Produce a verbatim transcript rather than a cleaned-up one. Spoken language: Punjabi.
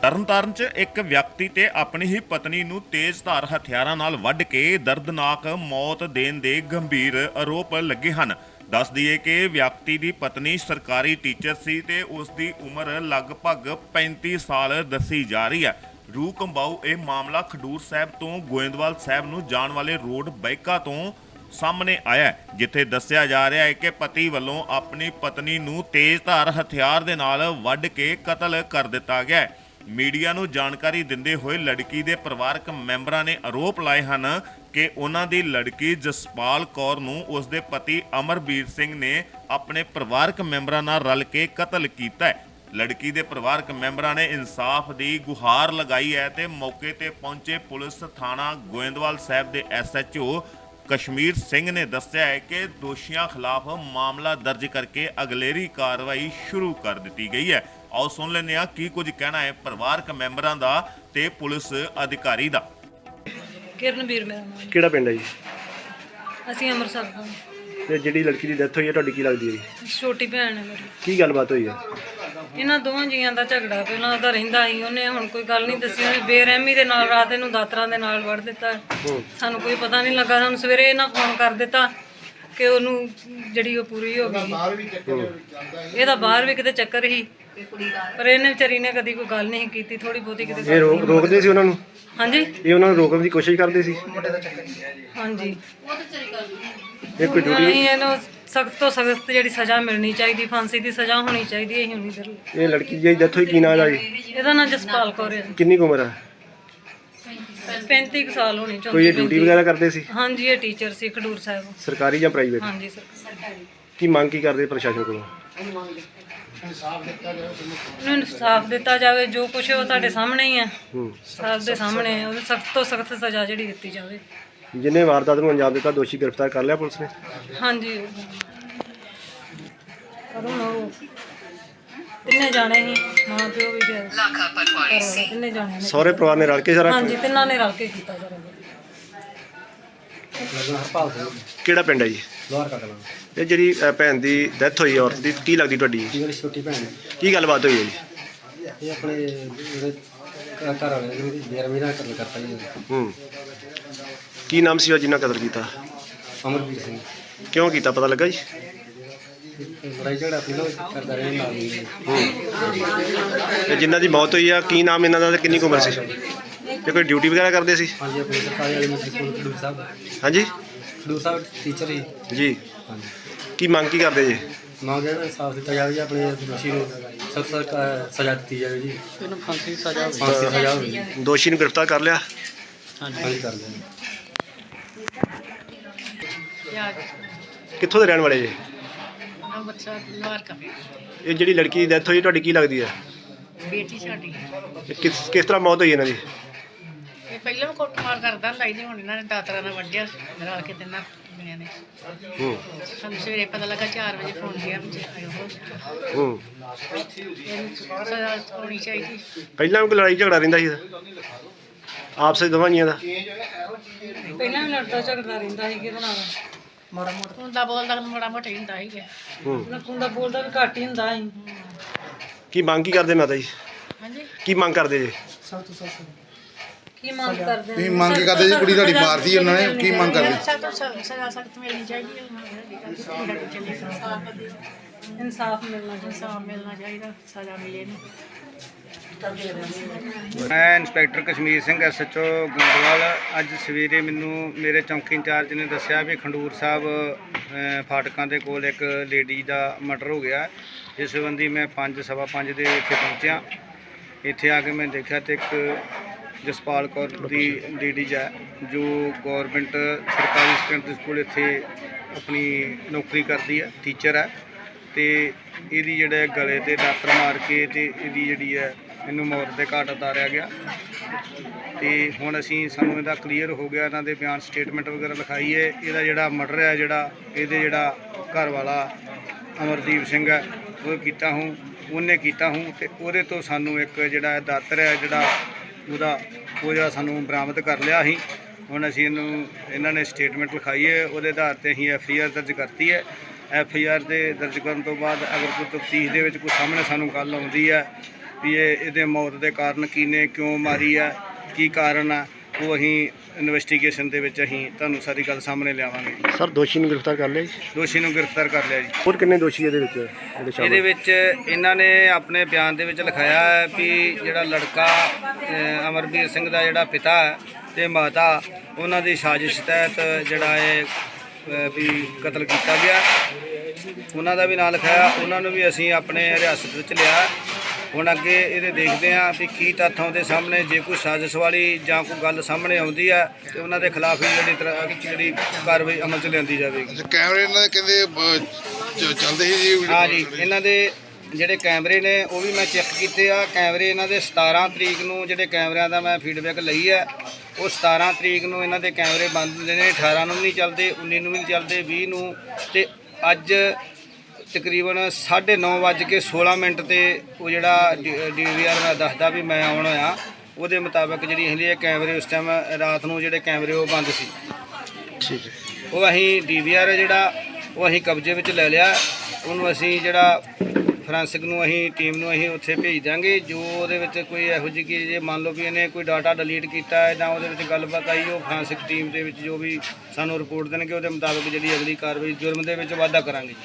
ਤਰਨਤਾਰਨ 'ਚ ਇੱਕ ਵਿਅਕਤੀ ਤੇ ਆਪਣੀ ਹੀ ਪਤਨੀ ਨੂੰ ਤੇਜ਼ਧਾਰ ਹਥਿਆਰਾਂ ਨਾਲ ਵੱਢ ਕੇ ਦਰਦਨਾਕ ਮੌਤ ਦੇਣ ਦੇ ਗੰਭੀਰ ਆਰੋਪ ਲੱਗੇ ਹਨ। ਦੱਸ ਦਈਏ ਕਿ ਵਿਅਕਤੀ ਦੀ ਪਤਨੀ ਸਰਕਾਰੀ ਟੀਚਰ ਸੀ ਤੇ ਉਸ ਦੀ ਉਮਰ ਲਗਭਗ ਪੈਂਤੀ ਸਾਲ ਦੱਸੀ ਜਾ ਰਹੀ ਹੈ। ਰੂਹ ਕੰਬਾਊ ਇਹ ਮਾਮਲਾ ਖਡੂਰ ਸਾਹਿਬ ਤੋਂ ਗੋਇੰਦਵਾਲ ਸਾਹਿਬ ਨੂੰ ਜਾਣ ਵਾਲੇ ਰੋਡ ਬਾਈਕਾ ਤੋਂ ਸਾਹਮਣੇ ਆਇਆ, ਜਿੱਥੇ ਦੱਸਿਆ ਜਾ ਰਿਹਾ ਹੈ ਕਿ ਪਤੀ ਵੱਲੋਂ ਆਪਣੀ ਪਤਨੀ ਨੂੰ ਤੇਜ਼ਧਾਰ ਹਥਿਆਰ ਦੇ ਨਾਲ ਵੱਢ ਕੇ ਕਤਲ ਕਰ ਦਿੱਤਾ ਗਿਆ ਹੈ। ਮੀਡੀਆ ਨੂੰ ਜਾਣਕਾਰੀ ਦਿੰਦੇ ਹੋਏ ਲੜਕੀ ਦੇ ਪਰਿਵਾਰਕ ਮੈਂਬਰਾਂ ਨੇ ਆਰੋਪ ਲਾਏ ਹਨ ਕਿ ਉਹਨਾਂ ਦੀ ਲੜਕੀ ਜਸਪਾਲ ਕੌਰ ਨੂੰ ਉਸ ਦੇ ਪਤੀ ਅਮਰਬੀਰ ਸਿੰਘ ਨੇ ਆਪਣੇ ਪਰਿਵਾਰਕ ਮੈਂਬਰਾਂ ਨਾਲ ਰਲ ਕੇ ਕਤਲ ਕੀਤਾ ਹੈ। ਲੜਕੀ ਦੇ ਪਰਿਵਾਰਕ ਮੈਂਬਰਾਂ ਨੇ ਇਨਸਾਫ ਦੀ ਗੁਹਾਰ ਲਗਾਈ ਹੈ ਤੇ ਮੌਕੇ ਤੇ ਪਹੁੰਚੇ ਪੁਲਿਸ ਥਾਣਾ ਗੋਇੰਦਵਾਲ ਸਾਹਿਬ ਦੇ S H O Kashmir Singh ਨੇ ਦੱਸਿਆ ਹੈ ਕਿ ਦੋਸ਼ੀਆਂ ਖਿਲਾਫ ਮਾਮਲਾ ਦਰਜ ਕਰਕੇ ਅਗਲੇਰੀ ਕਾਰਵਾਈ ਸ਼ੁਰੂ ਕਰ ਦਿੱਤੀ ਗਈ ਹੈ। ਆਓ ਸੁਣ ਲੈਂਦੇ ਹਾਂ ਕੀ ਕੁਝ ਕਹਿਣਾ ਹੈ ਪਰਿਵਾਰਕ ਮੈਂਬਰਾਂ ਦਾ ਤੇ ਪੁਲਿਸ ਅਧਿਕਾਰੀ ਦਾ। ਕਿਰਨਵੀਰ ਮੇਰਾ ਨਾਮ। ਕਿਹੜਾ ਪਿੰਡ ਹੈ ਜੀ? ਅਸੀਂ ਅੰਮ੍ਰਿਤਸਰ ਤੋਂ। ਤੇ ਜਿਹੜੀ ਲੜਕੀ ਦੀ ਡੈਥ ਹੋਈ ਹੈ ਤੁਹਾਡੀ ਕੀ ਲੱਗਦੀ ਹੈ ਜੀ? ਛੋਟੀ ਭੈਣ ਹੈ ਮੇਰੀ। ਕੀ ਗੱਲਬਾਤ ਹੋਈ ਹੈ? ਇਹਨਾਂ ਦੋਵਾਂ ਜੀਆਂ ਦਾ ਝਗੜਾ ਪਹਿਲਾਂ ਉਹਦਾ ਰਹਿੰਦਾ ਸੀ। ਉਹਨੇ ਹੁਣ ਕੋਈ ਗੱਲ ਨਹੀਂ ਦੱਸੀ। ਉਹਨੇ ਬੇਰਹਿਮੀ ਦੇ ਨਾਲ ਰਾਤ ਇਹਨੂੰ ਦਾਤਰਾਂ ਦੇ ਨਾਲ ਵੜ ਦਿੱਤਾ। ਸਾਨੂੰ ਕੋਈ ਪਤਾ ਨਹੀਂ ਲੱਗਾ। ਸਾਨੂੰ ਸਵੇਰੇ ਇਹਨਾਂ ਫੋਨ ਕਰ ਦਿੱਤਾ ਕਿ ਉਹਨੂੰ ਜਿਹੜੀ ਉਹ ਪੂਰੀ ਹੋ ਗਈ। ਇਹਦਾ ਬਾਹਰ ਵੀ ਕਿਤੇ ਚੱਕਰ ਸੀ, ਪਰ ਇਹਨੇ ਵਿਚਾਰੀ ਨੇ ਕਦੀ ਕੋਈ ਗੱਲ ਨਹੀਂ ਕੀਤੀ। ਥੋੜੀ ਬਹੁਤੀ ਕਿਤੇ ਇਹ ਰੋਕ ਰੋਕਦੇ ਸੀ ਉਹਨਾਂ ਨੂੰ? ਹਾਂਜੀ, ਇਹ ਉਹਨਾਂ ਨੂੰ ਰੋਕਣ ਦੀ ਕੋਸ਼ਿਸ਼ ਕਰਦੇ ਸੀ? ਹਾਂਜੀ। ਇਹ ਕੋਈ ਡਿਊਟੀ? ਨਹੀਂ, ਇਹਨੂੰ ਸਖਤ ਤੋਂ ਸਖਤ ਜਿਹੜੀ ਸਜ਼ਾ ਮਿਲਣੀ ਚਾਹੀਦੀ, ਫਾਂਸੀ ਦੀ ਸਜ਼ਾ ਹੋਣੀ ਚਾਹੀਦੀ ਹੈ। ਹੁਣ ਇਧਰ ਇਹ ਲੜਕੀ ਦੀ ਡੈਥ ਹੋਈ ਕੀ ਨਾਂ ਦਾ ਜੀ? ਇਹਦਾ ਨਾਂ ਜਸਪਾਲ ਕੌਰ ਹੈ। ਕਿੰਨੀ ਕੁ ਉਮਰ ਹੈ? ਪੈਂਤੀ ਕੁ ਸਾਲ ਹੋਣੀ। ਕੋਈ ਇਹ ਡਿਊਟੀ ਵਗੈਰਾ ਕਰਦੇ ਸੀ? ਹਾਂਜੀ, ਇਹ ਟੀਚਰ ਸੀ ਖਡੂਰ ਸਾਹਿਬ। ਸਰਕਾਰੀ ਜਾਂ ਪ੍ਰਾਈਵੇਟ? ਹਾਂਜੀ ਸਰਕਾਰੀ। ਕੀ ਮੰਗ ਕੀ ਕਰਦੇ ਪ੍ਰਸ਼ਾਸਨ ਕੋਲੋਂ? ਉਹਨੂੰ ਇਨਸਾਫ ਦਿੱਤਾ ਜਾਵੇ। ਜੋ ਕੁਛ ਉਹ ਤੁਹਾਡੇ ਸਾਹਮਣੇ ਹੀ ਹੈ, ਹੂੰ। ਸਭ ਦੇ ਸਾਹਮਣੇ ਹੈ। ਉਹਨੂੰ ਸਖਤ ਤੋਂ ਸਖਤ ਸਜ਼ਾ ਜਿਹੜੀ ਦਿੱਤੀ ਜਾਵੇ। ਜਿਹਨੇ ਵਾਰਦਾਤ ਨੂੰ ਅੰਜਾਮ ਦਿੱਤਾ ਦੋਸ਼ੀ ਗ੍ਰਿਫਤਾਰ ਕਰ ਲਿਆ ਪੁਲਿਸ ਨੇ? ਹਾਂਜੀ, ਪਰ ਹੁਣ ਉਹ ਤਿੰਨੇ ਜਾਣੇ ਹੀ, ਮਾਂ ਪਿਓ ਵੀ ਤੇ ਘਰਵਾਲਾ, ਤਿੰਨੇ ਜਾਣੇ ਨੇ। ਸਹੁਰੇ ਪਰਿਵਾਰ ਨੇ ਰਲ ਕੇ ਸਾਰਾ? ਹਾਂਜੀ, ਤਿੰਨਾਂ ਨੇ ਰਲ ਕੇ ਕੀਤਾ ਜਰਾ। ਕਿਹੜਾ ਪਿੰਡ ਹੈ ਜੀ? ਇਹ ਜਿਹੜੀ ਅ, ਭੈਣ ਦੀ ਡੈਥ ਹੋਈ ਔਰਤ ਦੀ ਕੀ ਲੱਗਦੀ ਤੁਹਾਡੀ? ਮੇਰੀ ਛੋਟੀ ਭੈਣ ਹੈ। ਕੀ ਗੱਲਬਾਤ ਹੋਈ ਹੈ ਜੀ? ਇਹ ਆਪਣੇ ਜਿਹੜੇ ਘ- ਘਰ ਵਾਲੇ ਨੂੰ ਬੇਰਮੀ ਨਾਲ ਕਤਲ ਕਰਤਾ ਜੀ। ਹੂੰ। ਕੀ ਨਾਮ ਸੀ ਉਹ ਜਿਹਨਾਂ ਕਤਲ ਕੀਤਾ? ਅਮਰਵੀਰ ਸਿੰਘ। ਕਿਉਂ ਕੀਤਾ ਪਤਾ ਲੱਗਾ ਜੀ? ਇਹ ਲੜਾਈ ਝਗੜਾ ਪਹਿਲਾਂ ਕਰਦਾ ਰਿਹਾ ਨਾਲ ਹੀ। ਹੂੰ। ਤੇ ਜਿਨ੍ਹਾਂ ਦੀ ਮੌਤ ਹੋਈ ਆ ਕੀ ਨਾਮ ਇਹਨਾਂ ਦਾ ਤੇ ਕਿੰਨੀ ਕੁ ਉਮਰ ਸੀ? ਤੇ ਕੋਈ ਡਿਊਟੀ ਵਗੈਰਾ ਕਰਦੇ ਸੀ? ਹਾਂਜੀ, ਆਪਣੇ ਸਰਕਾਰੀ ਵਾਲੇ ਮਿਸਟਰ ਸਕੂਲ ਖਡੂਰ ਸਾਹਿਬ। ਹਾਂਜੀ ਖਡੂਰ ਸਾਹਿਬ ਟੀਚਰ ਹੀ। ਜੀ। ਹਾਂਜੀ, ਕੀ ਮੰਗ ਕੀ ਕਰਦੇ ਜੀ? ਮੰਗ ਹੈ ਇਨਸਾਫ ਦਿੱਤਾ ਜਾਵੇ ਜੀ। ਆਪਣੇ ਦੋਸ਼ੀ ਨੂੰ ਸਖਤ ਸਖਤ ਸਜ਼ਾ ਦਿੱਤੀ ਜਾਵੇ ਜੀ। ਇਹਨੂੰ ਫਾਂਸੀ ਦੀ ਸਜ਼ਾ ਫਾਂਸੀ ਦੀ ਸਜ਼ਾ ਹੋਵੇ ਜੀ। ਦੋਸ਼ੀ ਨੂੰ ਗ੍ਰਿਫਤਾਰ ਕਰ ਲਿਆ? ਹਾਂਜੀ, ਕਰ ਲਿਆ। ਕਿੱਥੋਂ ਦੇ ਰਹਿਣ ਵਾਲੇ ਜੀ? ਅੰਮ੍ਰਿਤਸਰ ਲੋਹਾਰ ਕਾ ਇਹ ਜਿਹੜੀ ਲੜਕੀ ਦੀ ਡੈਥ ਹੋਈ ਤੁਹਾਡੀ ਕੀ ਲੱਗਦੀ ਹੈ? ਬੇਟੀ ਸਾਡੀ। ਇਹ ਕਿਸ ਕਿਸ ਤਰ੍ਹਾਂ ਮੌਤ ਹੋਈ ਇਹਨਾਂ ਦੀ? ਇਹ ਪਹਿਲਾਂ ਵੀ ਕੁੱਟਮਾਰ ਕਰਦਾ ਹੁੰਦਾ ਸੀ ਤੇ ਹੁਣ ਇਹਨਾਂ ਨੇ ਦਾਤਰਾ ਨਾਲ ਵੱਢਿਆ ਰਲ ਕੇ ਤਿੰਨਾਂ ਜਣਿਆਂ ਨੇ। ਹੂੰ। ਸਾਨੂੰ ਸਵੇਰੇ ਪਤਾ ਲੱਗਾ ਚਾਰ ਵਜੇ ਫੋਨ ਗਿਆ ਵੀ ਆਇਓ ਹੋ। ਹੂੰ। ਇਹਨੂੰ ਸਜ਼ਾ ਹੋਣੀ ਚਾਹੀਦੀ। ਪਹਿਲਾਂ ਵੀ ਕੋਈ ਲੜਾਈ ਝਗੜਾ ਰਹਿੰਦਾ ਸੀ ਆਪਸ ਵਿੱਚ ਦੋਵਾਂ ਜੀਆਂ ਦਾ? ਪਹਿਲਾਂ ਵੀ ਲੜਦਾ ਝਗੜਦਾ ਰਹਿੰਦਾ ਸੀ। ਕਿਹਦੇ ਨਾਲ? ਮਾੜਾ ਮੋਟਾ ਹੁੰਦਾ ਬੋਲਦਾ ਮਾੜਾ ਮੋਟਾ ਹੀ ਹੁੰਦਾ ਸੀਗਾ। ਹੂੰ। ਨਕੁੰਦਾ ਬੋਲਦਾ ਵੀ ਘੱਟ ਹੀ ਹੁੰਦਾ ਸੀ। ਕੀ ਮੰਗ ਕੀ ਕਰਦੇ ਮਾਤਾ ਜੀ? ਹਾਂਜੀ, ਕੀ ਮੰਗ ਕਰਦੇ ਜੀ? ਕੀ ਮੰਗ ਕਰਦੇ? ਕੀ ਮੰਗ ਕੀ ਕਰਦੇ ਜੀ? ਕੁੜੀ ਤੁਹਾਡੀ ਮਾਰਤੀ ਉਹਨਾਂ ਨੇ, ਕੀ ਮੰਗ ਕਰਦੇ? ਸਖਤ ਤੋਂ ਸਜ਼ਾ ਸਖਤ ਮਿਲਣੀ ਚਾਹੀਦੀ ਹੈ। ਇਨਸਾਫ ਮਿਲਣਾ ਚਾਹੀਦਾ। ਇਨਸਾਫ ਮਿਲਣਾ ਚਾਹੀਦਾ, ਸਜ਼ਾ ਮਿਲੇ ਇਹਨੂੰ। ਮੈਂ inspector Kashmir Singh S H O Goindwal. ਅੱਜ ਸਵੇਰੇ ਮੈਨੂੰ ਮੇਰੇ ਚੌਂਕੀ ਇੰਚਾਰਜ ਨੇ ਦੱਸਿਆ ਵੀ ਖੰਡੂਰ ਸਾਹਿਬ ਅ, ਫਾਟਕਾਂ ਦੇ ਕੋਲ ਇੱਕ ਲੇਡੀ ਦਾ ਮਰਡਰ ਹੋ ਗਿਆ। ਇਸ ਸੰਬੰਧੀ ਮੈਂ ਪੰਜ ਸਵਾ ਪੰਜ ਦੇ ਇੱਥੇ ਪਹੁੰਚਿਆ। ਇੱਥੇ ਆ ਕੇ ਮੈਂ ਦੇਖਿਆ ਤੇ ਇੱਕ ਜਸਪਾਲ ਕੌਰ ਦੀ ਲੇਡੀਜ਼ ਹੈ ਜੋ ਗੌਰਮੈਂਟ ਸਰਕਾਰੀ ਸੈਕੰਡਰੀ ਸਕੂਲ ਇੱਥੇ ਆਪਣੀ ਨੌਕਰੀ ਕਰਦੀ ਹੈ, ਟੀਚਰ ਹੈ। ਤੇ ਇਹਦੀ ਜਿਹੜਾ ਗਲੇ 'ਤੇ ਦਾਤਰ ਮਾਰ ਕੇ ਤੇ ਇਹਦੀ ਜਿਹੜੀ ਹੈ ਇਹਨੂੰ ਮੌਤ ਦੇ ਘਾਟ ਉਤਾਰਿਆ ਗਿਆ। ਤੇ ਹੁਣ ਅਸੀਂ ਸਾਨੂੰ ਇਹਦਾ ਕਲੀਅਰ ਹੋ ਗਿਆ। ਇਹਨਾਂ ਦੇ ਬਿਆਨ ਸਟੇਟਮੈਂਟ ਵਗੈਰਾ ਲਿਖਾਈ ਹੈ। ਇਹਦਾ ਜਿਹੜਾ ਮਰਡਰ ਹੈ ਜਿਹੜਾ ਇਹਦੇ ਜਿਹੜਾ ਘਰ ਵਾਲਾ ਅਮਰਦੀਪ ਸਿੰਘ ਹੈ ਉਹ ਕੀਤਾ ਹੂੰ ਉਹਨੇ ਕੀਤਾ ਹੂੰ ਤੇ ਉਹਦੇ ਤੋਂ ਸਾਨੂੰ ਇੱਕ ਜਿਹੜਾ ਦਾਤਰ ਹੈ ਜਿਹੜਾ ਉਹਦਾ ਉਹ ਜਿਹੜਾ ਸਾਨੂੰ ਬਰਾਮਦ ਕਰ ਲਿਆ ਸੀ। ਹੁਣ ਅਸੀਂ ਇਹਨੂੰ ਇਹਨਾਂ ਨੇ ਸਟੇਟਮੈਂਟ ਲਿਖਾਈ ਹੈ, ਉਹਦੇ ਆਧਾਰ 'ਤੇ ਅਸੀਂ ਐਫ ਆਈ ਆਰ ਦਰਜ ਕਰਤੀ ਹੈ। ਐਫ ਆਈ ਆਰ ਦੇ ਦਰਜ ਕਰਨ ਤੋਂ ਬਾਅਦ ਅਗਰ ਕੋਈ ਤਫਤੀਸ਼ ਦੇ ਵਿੱਚ ਕੋਈ ਸਾਹਮਣੇ ਸਾਨੂੰ ਗੱਲ ਆਉਂਦੀ ਹੈ ਵੀ ਇਹ ਇਹਦੇ ਮੌਤ ਦੇ ਕਾਰਨ ਕੀ ਨੇ, ਕਿਉਂ ਮਾਰੀ ਆ, ਕੀ ਕਾਰਨ ਆ, ਉਹ ਅਸੀਂ ਇਨਵੈਸਟੀਗੇਸ਼ਨ ਦੇ ਵਿੱਚ ਅਸੀਂ ਤੁਹਾਨੂੰ ਸਾਰੀ ਗੱਲ ਸਾਹਮਣੇ ਲਿਆਵਾਂਗੇ। ਸਰ ਦੋਸ਼ੀ ਨੂੰ ਗ੍ਰਿਫਤਾਰ ਕਰ ਲਿਆ ਜੀ? ਦੋਸ਼ੀ ਨੂੰ ਗ੍ਰਿਫਤਾਰ ਕਰ ਲਿਆ ਜੀ। ਹੋਰ ਕਿੰਨੇ ਦੋਸ਼ੀ ਇਹਦੇ ਵਿੱਚ ਜਿਹੜੇ ਸ਼ਾਮਲ? ਇਹਦੇ ਵਿੱਚ ਇਹਨਾਂ ਨੇ ਆਪਣੇ ਬਿਆਨ ਦੇ ਵਿੱਚ ਲਿਖਾਇਆ ਹੈ ਵੀ ਜਿਹੜਾ ਲੜਕਾ ਅ, ਅਮਰਵੀਰ ਸਿੰਘ ਦਾ ਜਿਹੜਾ ਪਿਤਾ ਹੈ ਤੇ ਮਾਤਾ, ਉਹਨਾਂ ਦੀ ਸਾਜ਼ਿਸ਼ ਤਹਿਤ ਜਿਹੜਾ ਇਹ ਅ, ਵੀ ਕਤਲ ਕੀਤਾ ਗਿਆ। ਉਹਨਾਂ ਦਾ ਵੀ ਨਾਂ ਲਿਖਾਇਆ, ਉਹਨਾਂ ਨੂੰ ਵੀ ਅਸੀਂ ਆਪਣੇ ਹਿਰਾਸਤ ਵਿੱਚ ਲਿਆ। ਹੁਣ ਅੱਗੇ ਇਹਦੇ ਦੇਖਦੇ ਹਾਂ ਵੀ ਕੀ ਤੱਥ ਆਉਂਦੇ ਸਾਹਮਣੇ। ਜੇ ਕੋਈ ਸਾਜ਼ਿਸ਼ ਵਾਲੀ ਜਾਂ ਕੋਈ ਗੱਲ ਸਾਹਮਣੇ ਆਉਂਦੀ ਹੈ ਤੇ ਉਹਨਾਂ ਦੇ ਖਿਲਾਫ ਹੀ ਜਿਹੜੀ ਤਰ੍ਹਾਂ ਜਿਹੜੀ ਕਾਰਵਾਈ ਅਮਲ 'ਚ ਲਿਆਂਦੀ ਜਾਵੇਗੀ। ਕੈਮਰੇ ਇਹਨਾਂ ਦੇ ਕਹਿੰਦੇ ਅਹ, ਚ- ਚੱਲਦੇ ਸੀ ਜੀ ਹਾਂ ਜੀ, ਇਹਨਾਂ ਦੇ ਜਿਹੜੇ ਕੈਮਰੇ ਨੇ ਉਹ ਵੀ ਮੈਂ ਚੈੱਕ ਕੀਤੇ ਆ। ਕੈਮਰੇ ਇਹਨਾਂ ਦੇ ਸਤਾਰਾਂ ਤਰੀਕ ਨੂੰ ਜਿਹੜੇ ਕੈਮਰਿਆਂ ਦਾ ਮੈਂ ਫੀਡਬੈਕ ਲਈ ਹੈ, ਉਹ ਸਤਾਰਾਂ ਤਰੀਕ ਨੂੰ ਇਹਨਾਂ ਦੇ ਕੈਮਰੇ ਬੰਦ ਹੁੰਦੇ ਨੇ, ਅਠਾਰਾਂ ਨੂੰ ਵੀ ਨਹੀਂ ਚੱਲਦੇ, ਉੱਨੀ ਨੂੰ ਵੀ ਨਹੀਂ ਚੱਲਦੇ, ਵੀਹ ਨੂੰ। ਤੇ ਅੱਜ ਤਕਰੀਬਨ ਸਾਢੇ ਨੌ ਵੱਜ ਕੇ ਸੋਲਾਂ ਮਿੰਟ 'ਤੇ ਉਹ ਜਿਹੜਾ ਡੀ ਵੀ ਆਰ ਮੈਂ ਦੱਸਦਾ ਵੀ ਮੈਂ ਆਉਣ ਹੋਇਆ, ਉਹਦੇ ਮੁਤਾਬਕ ਜਿਹੜੀ ਹੁੰਦੀ ਹੈ ਕੈਮਰੇ ਉਸ ਟਾਈਮ ਰਾਤ ਨੂੰ ਜਿਹੜੇ ਕੈਮਰੇ ਉਹ ਬੰਦ ਸੀ। ਠੀਕ ਹੈ। ਉਹ ਅਸੀਂ ਡੀ ਵੀ ਆਰ ਜਿਹੜਾ ਉਹ ਅਸੀਂ ਕਬਜ਼ੇ ਵਿੱਚ ਲੈ ਲਿਆ। ਉਹਨੂੰ ਅਸੀਂ ਜਿਹੜਾ ਫੋਰੈਂਸਿਕ ਨੂੰ ਅਸੀਂ ਟੀਮ ਨੂੰ ਅਸੀਂ ਉੱਥੇ ਭੇਜ ਦਾਂਗੇ। ਜੋ ਉਹਦੇ ਵਿੱਚ ਕੋਈ ਇਹੋ ਜਿਹੀ ਕਿ ਜੇ ਮੰਨ ਲਓ ਵੀ ਇਹਨੇ ਕੋਈ ਡਾਟਾ ਡਿਲੀਟ ਕੀਤਾ ਹੈ ਜਾਂ ਉਹਦੇ ਵਿੱਚ ਗੱਲਬਾਤ ਆਈ, ਉਹ ਫੋਰੈਂਸਿਕ ਟੀਮ ਦੇ ਵਿੱਚ ਜੋ ਵੀ ਸਾਨੂੰ ਰਿਪੋਰਟ ਦੇਣਗੇ ਉਹਦੇ ਮੁਤਾਬਕ ਜਿਹੜੀ ਅਗਲੀ ਕਾਰਵਾਈ ਜੁਰਮ ਦੇ ਵਿੱਚ ਵਾਧਾ ਕਰਾਂਗੇ।